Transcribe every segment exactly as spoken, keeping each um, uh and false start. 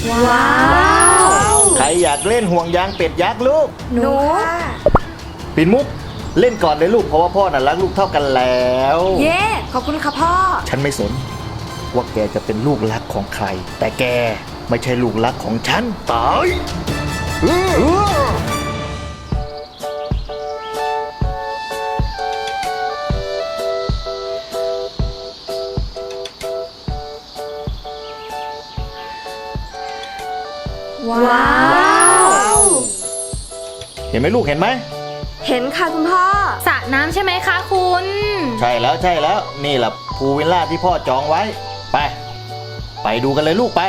ว้าวใครอยากเล่นห่วงยางเป็ดยักษ์ลูกหนูปิ่นมุกเล่นก่อนเลยลูกเพราะว่าพ่อน่ะรักลูกเท่ากันแล้วเย้ขอบคุณค่ะพ่อฉันไม่สนว่าแกจะเป็นลูกรักของใครแต่แกไม่ใช่ลูกรักของฉันตายว้าวเห็นไหมลูกเห็นไหมเห็นค่ะคุณพ่อสระน้ำใช่ไหมคะคุณใช่แล้วใช่แล้วนี่แหละพูลวิลล่าที่พ่อจองไว้ไปไปดูกันเลยลูกไป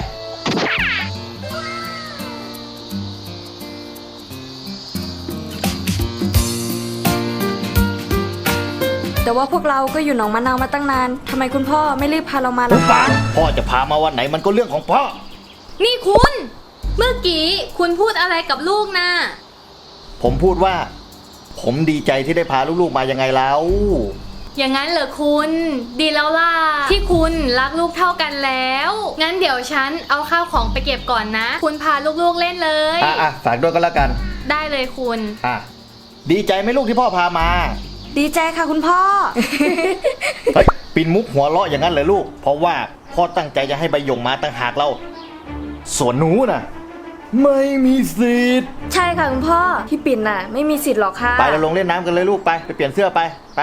แต่ว่าพวกเราก็อยู่หนองมะนาวมาตั้งนานทำไมคุณพ่อไม่รีบพาเรามาล่ะคะพ่อจะพามาวันไหนมันก็เรื่องของพ่อนี่คุณเมื่อกี้คุณพูดอะไรกับลูกนะผมพูดว่าผมดีใจที่ได้พาลูกๆมายังไงแล้วอย่างนั้นเหรอคุณดีแล้วล่ะที่คุณรักลูกเท่ากันแล้วงั้นเดี๋ยวฉันเอาข้าวของไปเก็บก่อนนะคุณพาลูกๆเล่นเลยอ่ะอ่ะฝากด้วยก็แล้วกันได้เลยคุณอ่ะดีใจไหมลูกที่พ่อพามาดีใจค่ะคุณพ่อเฮ้ยปิ่นมุกหัวเราะอย่างนั้นเลยลูกเพราะว่าพ่อตั้งใจจะให้ใบหยงมาตั้งหากเราส่วนหนูน่ะไม่มีสิทธิ์ใช่ค่ะคุณพ่อพี่ปิ่นน่ะไม่มีสิทธิ์หรอกค่ะไปเราลงเล่นน้ำกันเลยลูกไปไปเปลี่ยนเสื้อไปไป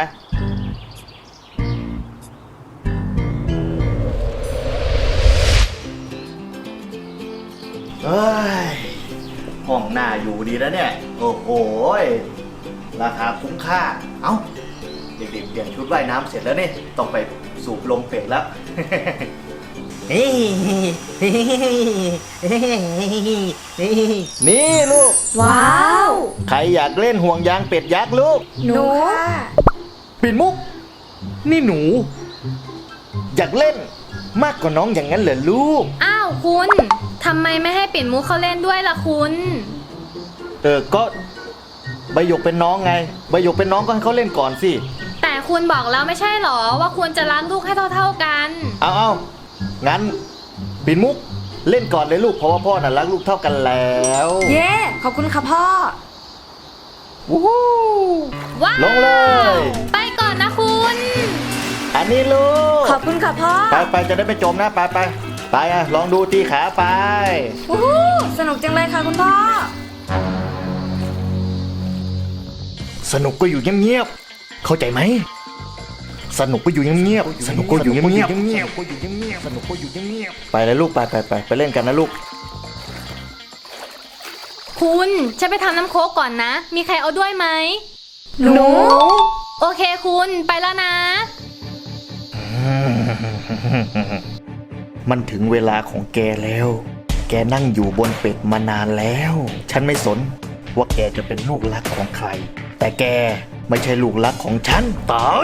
เฮ้ยห้องหน้าอยู่ดีแล้วเนี่ยโอ้โหราคาคุ้มค่าเอ้าเด็กๆเปลี่ยนชุดว่ายน้ำเสร็จแล้วเนี่ยต้องไปสูบลมเป็ดแล้วนี่ลูกว้าวใครอยากเล่นห่วงยางเป็ดยักษ์ลูกหนูปิ่นมุกนี่หนูอยากเล่นมากกว่าน้องอย่างนั้นเหรอลูกอ้าวคุณทำไมไม่ให้ปิ่นมุกเขาเล่นด้วยล่ะคุณเออก็ใบหยกเป็นน้องไงใบหยกเป็นน้องก็ให้เขาเล่นก่อนสิแต่คุณบอกแล้วไม่ใช่หรอว่าคุณจะรักลูกให้เท่าๆกันเอาเอางั้นปิ่นมุกเล่นก่อนเลยลูกเพราะว่าพ่อน่ะรักลูกเท่ากันแล้วเย้ขอบคุณค่ะพ่อวู้ฮู้ว้าวลงเลยไปก่อนนะคุณอันนี้ลูกขอบคุณค่ะพ่อไปไปจะได้ไม่จมนะไปไปไปอ่ะลองดูตีขาไปวู้ฮู้สนุกจังเลยค่ะคุณพ่อสนุกก็อยู่เงียบๆเข้าใจไหมสนุกก็อยู่เงียบๆสนุกก็อยู่เงียบๆสนุกก็อยู่เงียบๆไปเลยลูกไปไปไปไปเล่นกันนะลูกคุณฉันไปทำน้ำโค้กก่อนนะมีใครเอาด้วยไหมหนูโอเคคุณไปแล้วนะมันถึงเวลาของแกแล้วแกนั่งอยู่บนเป็ดมานานแล้วฉันไม่สนว่าแกจะเป็นลูกรักของใครแต่แกไม่ใช่ลูกรักของฉันตาย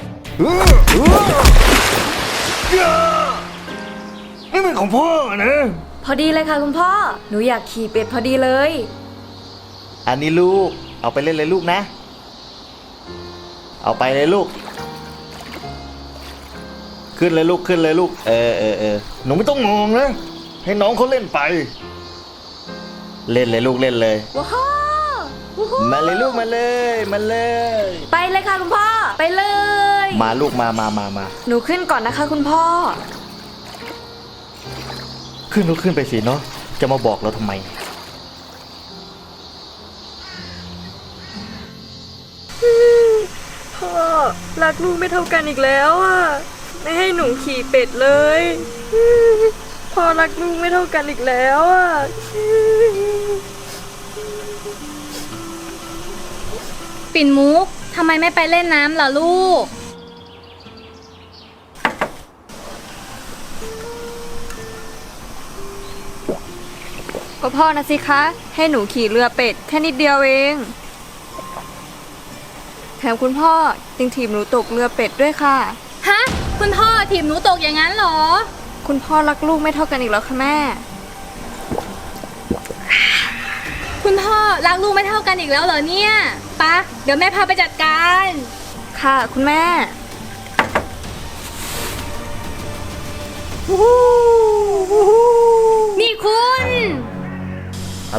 นี่เป็นของพ่อนะพอดีเลยค่ะคุณพ่อหนูอยากขี่เป็ดพอดีเลยอันนี้ลูกเอาไปเล่นเลยลูกนะเอาไปเลยลูกขึ้นเลยลูกขึ้นเลยลูกเออเออเออหนูไม่ต้องงงนะให้น้องเขาเล่นไปเล่นเลยลูกเล่นเลยว้าวมาเลยลูกมาเลยมาเลยไปเลยค่ะคุณพ่อไปเลยมาลูกมามามามาหนูขึ้นก่อนนะคะคุณพ่อขึ้นลูกขึ้นไปสิเนาะจะมาบอกเราทำไมพ่อรักลูกไม่เท่ากันอีกแล้วอ่ะไม่ให้หนูขี่เป็ดเลยพ่อรักลูกไม่เท่ากันอีกแล้วอ่ะปิ่นมุกทำไมไม่ไปเล่นน้ำล่ะลูกก็พ่อนะสิคะให้หนูขี่เรือเป็ดแค่นิดเดียวเองแถมคุณพ่อยังถีบหนูตกเรือเป็ดด้วยค่ะฮะคุณพ่อถีบหนูตกอย่างนั้นเหรอคุณพ่อรักลูกไม่เท่ากันอีกแล้วค่ะแม่คุณพ่อรักลูกไม่เท่ากันอีกแล้วเหรอเนี่ยปะเดี๋ยวแม่พาไปจัดการค่ะคุณแม่นี่คุณ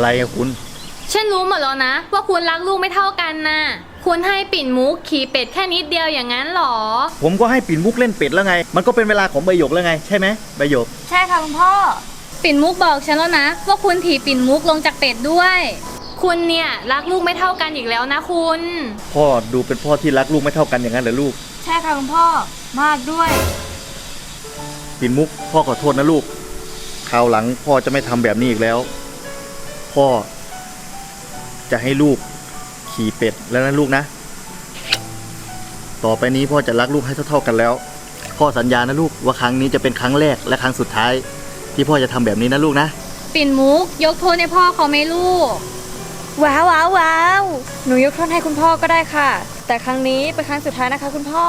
อะไรอะคุณฉันรู้หมดแล้วนะว่าคุณรักลูกไม่เท่ากันน่ะ คุณให้ปิ่นมุกขี่เป็ดแค่นิดเดียวอย่างนั้นหรอผมก็ให้ปิ่นมุกเล่นเป็ดแล้วไง มันก็เป็นเวลาของใบหยกแล้วไง ใช่ไหมใบหยกใช่ค่ะคุณพ่อปิ่นมุกบอกฉันแล้วนะว่าคุณถีบปิ่นมุกลงจากเป็ดด้วย คุณเนี่ยรักลูกไม่เท่ากันอีกแล้วนะคุณพ่อดูเป็นพ่อที่รักลูกไม่เท่ากันอย่างนั้นเหรอลูกใช่ค่ะคุณพ่อ มากด้วยปิ่นมุกพ่อขอโทษนะลูกคราวหลังพ่อจะไม่ทำแบบนี้อีกแล้ว พ่อจะให้ลูกขี่เป็ดแล้วนะลูกนะ ต่อไปนี้พ่อจะรักลูกให้เท่าๆกันแล้ว พ่อสัญญานะลูกว่าครั้งนี้จะเป็นครั้งแรกและครั้งสุดท้าย ที่พ่อจะทำแบบนี้นะลูกนะปิ่นมุกยกโทษให้พ่อเขาไหมลูกว้าวว้าวว้าวหนูยกโทษให้คุณพ่อก็ได้ค่ะ แต่ครั้งนี้เป็นครั้งสุดท้ายนะคะคุณพ่อ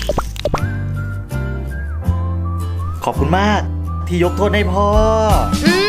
ขอบคุณมากที่ยกโทษให้พ่ออื